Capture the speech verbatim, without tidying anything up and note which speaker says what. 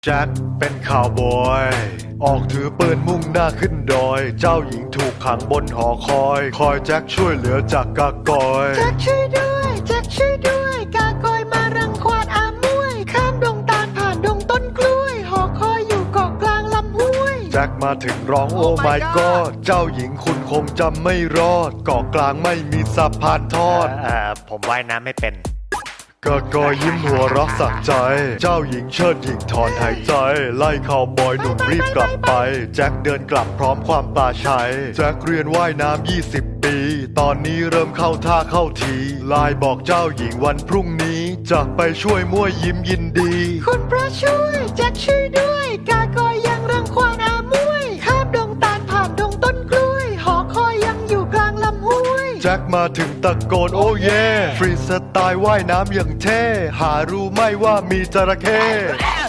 Speaker 1: แจ็คเป็นข่าวบอยออกถือปืนมุ่งหน้าขึ้นดอยเจ้าหญิงถูกขังบนหอคอยคอยแจ็คช่วยเหลือจากกากอย
Speaker 2: แจ็คช่วยด้วยแจ็คช่วยด้วยกากอยมารังควานอามวยข้ามดงตาลผ่านดงต้นกล้วยหอคอยอยู่เกาะกลางลำห้วย
Speaker 1: แจ็คมาถึงร้องโอ้ my god เจ้าหญิงคุณคงจำไม่รอดเกาะกลางไม่มีสะพานทอด
Speaker 3: เอ่อผมว่ายน้ำไม่เป็น
Speaker 1: กากอยยิ้มหัวเรักสักใจเจ้าหญิงเชิดหญิงถอนหายใจไล่ข่าวบอยหนุ่มรีบกลับไปแจ็คเดินกลับพร้อมความปลาชัยแจ็คเรียนว่ายน้ำยี่สิบปีตอนนี้เริ่มเข้าท่าเข้าทีไลน์บอกเจ้าหญิงวันพรุ่งนี้จะไปช่วยมั่วยิ้มยินดี
Speaker 2: คุณพระช่วยแจ็คช่วยด้วยกากอยยังรังควานอามวยข้ามดงตาลผ่านดงต้นกล้วยหอคอยยังอยู่กลางลำห้วย
Speaker 1: แจ็คมาถึงตะโกนโอ้เย่ฟรีสไตล์ว่ายน้ำอย่างเท่หารู้ไหม่ว่ามีจระเข้